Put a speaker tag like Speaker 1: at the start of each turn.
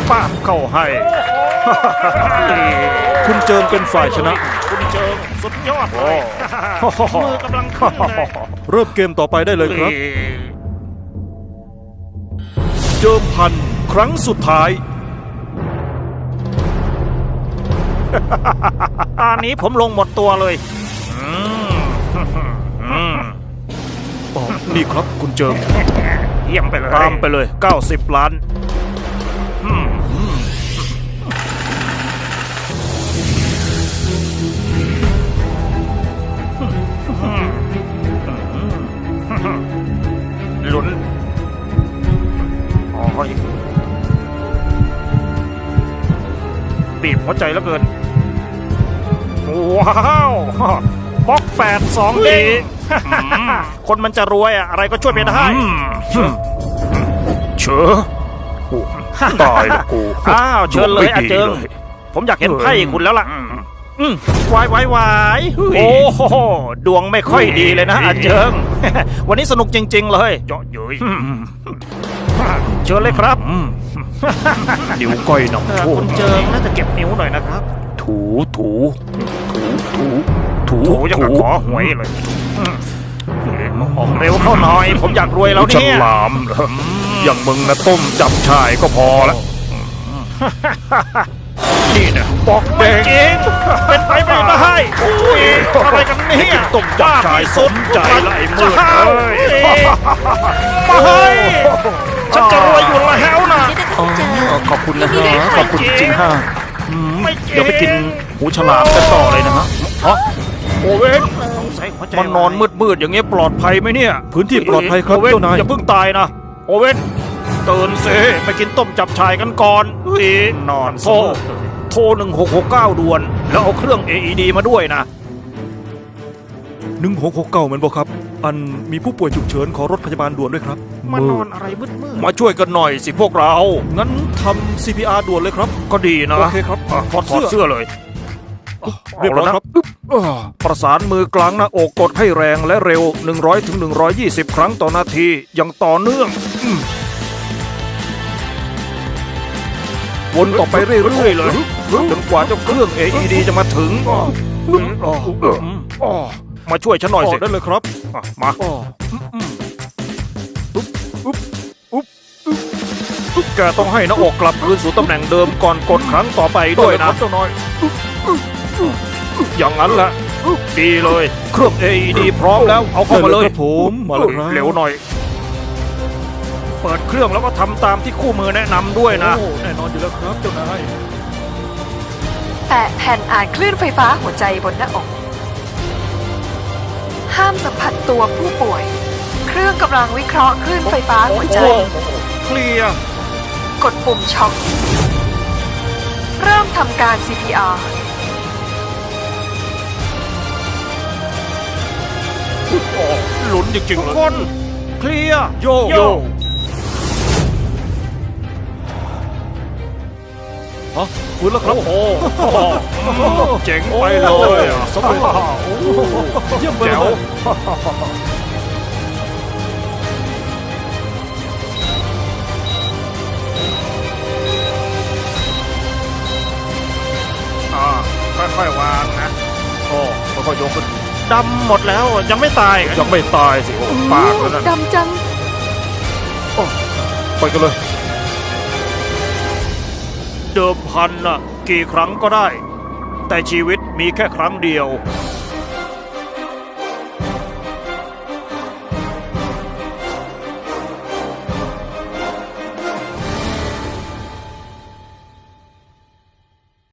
Speaker 1: ป้าบเข้าให้
Speaker 2: คุณเจิงเป็นฝ่ายชนะ
Speaker 1: คุณเจิงสุดยอดเลยมือกำลังขึ้นเลย
Speaker 2: เริ่มเกมต่อไปได้เลยครับ เดิมพันครั้งสุดท้าย
Speaker 1: อันนี้ผมลงหมดตัวเลย
Speaker 2: อ๋อ นี่ครับคุณเจิง
Speaker 1: เยี่ยมไปเลย
Speaker 2: ตามไปเลย 90 ล้าน
Speaker 1: ลุ้นโอ้ยบีบหัวใจแล้วเกิน ว้าวบล็อก8-2เด้งคนมันจะรวยอะไรก็ช่วยไม่ได้
Speaker 2: เชอตายแล้วกู
Speaker 1: อ้าวเชิญเลยอาเจิง ผมอยากเห็นไพ่คุณแล้วล่ะวายวายโอ้โหดวงไม่ค่อยดีเลยนะอาเจิง วันนี้สนุกจริงๆเลยเยาะเย้ยเชิญเลยครับ
Speaker 2: นิ้วก้อยหนองโช
Speaker 1: คุณเจิงน่าจะเก็บนิ้วหน่อยนะครับ
Speaker 2: ถูถูถู
Speaker 1: ถูยังกับขอหวยเลยออกเร็วเข้าหน่อย ผมอยากรวยแล้ว
Speaker 2: ฉ
Speaker 1: เนี่ย
Speaker 2: ลามเหรออย่างมึงนะต้มจับชายก็พอละนี่นะบอกแด
Speaker 1: ไม่
Speaker 2: ง
Speaker 1: จริงเป็นไปไม่ได้โอ้ยอะไรกันเนี่ย
Speaker 2: ต้มจับชายสมใจละไอ้มืด
Speaker 1: เอ้ยไม่ฉันจะรวยอยู่แล้วนะ
Speaker 2: อ๋อขอบคุณนะฮะขอบคุณจริงๆฮะ
Speaker 1: ไม่จริง
Speaker 2: เดี๋ยวไปกินหูฉลามกันต่อเลยนะฮะอ๋อโอเว่น มันนอนมืดๆอย่างเงี้ยปลอดภัยไหมเนี่ย พื้นที่ปลอดภัยครับ
Speaker 1: โอเว่น
Speaker 2: เจ้านาย
Speaker 1: อย่าเพิ่งตายนะโอเว่นตื่นสิไปกินต้มจับชายกันก่อนนอนโทร1669ด่วน แล้วเอาเครื่อง AED มาด้วยนะ
Speaker 2: 1669มันบอกครับ อันมีผู้ป่วยฉุกเฉินขอรถพยาบาลด่วนด้วยครับ
Speaker 1: มานอนอะไรมืด
Speaker 2: มาช่วยกันหน่อยสิพวกเรา งั้นทำ CPR ด่วนเลยครับ
Speaker 1: ก็ดีนะ
Speaker 2: โอเคครับ
Speaker 1: ถอดเสื้อเลย
Speaker 2: เรียบร้อยครับ
Speaker 1: ประสานมือกลางหน้าอกกดให้แรงและเร็ว 100-120 ครั้งต่อนาทีอย่างต่อเนื่องวนต่อไปเรื่อยๆเลยจนกว่าเจ้าเครื่อง AED จะมาถึงมาช่วยฉันหน่อยสิ
Speaker 2: ได้เลยครับ
Speaker 1: มาแกต้องให้หน้าอกกลับคืนสู่ตำแหน่งเดิมก่อนกดครั้งต่อไปด้วยนะเจ้าน้อยอย่างนั้นแหละดีเลย เครื่อง AED พร้อมแล้วเอาเข้ามาเลย
Speaker 2: ครับผมมาเลยครับ
Speaker 1: เร็วหน่อย เปิดเครื่องแล้วก็ทำตามที่คู่มือแนะนำด้วยนะ
Speaker 2: โอ้แน่นอนอยู่แล้วครับเจ้านาย
Speaker 3: แตะแผ่นอ่านคลื่นไฟฟ้าหัวใจบนหน้าอก ห้ามสัมผัสตัวผู้ป่วย เครื่องกำลังวิเคราะห์คลื่นไฟฟ้าหัวใจ
Speaker 1: เคลียร์
Speaker 3: กดปุ่มช็อค เริ่มทำการ CPR
Speaker 1: หลุนจริงๆทุกคน เคลียร์
Speaker 2: โย
Speaker 1: โย
Speaker 2: ฮะฟื้นแล้วครับ
Speaker 1: โอ้โหเจ๋งไปเลยอะ
Speaker 2: สำเร็จเยี่ยมไป
Speaker 1: แจ๋
Speaker 2: เล
Speaker 1: วย ค่อยๆวางนะโอ้ค่อยๆยกขึ้นดำหมดแล้วยังไม่ตาย
Speaker 2: ยังไม่ตายสิโอ้ปากแล้วนั่น
Speaker 3: ดำจัง
Speaker 2: ไปกันเลย
Speaker 1: เดิมพันน่ะกี่ครั้งก็ได้ แต่ชีวิตมีแค่ครั้งเดียว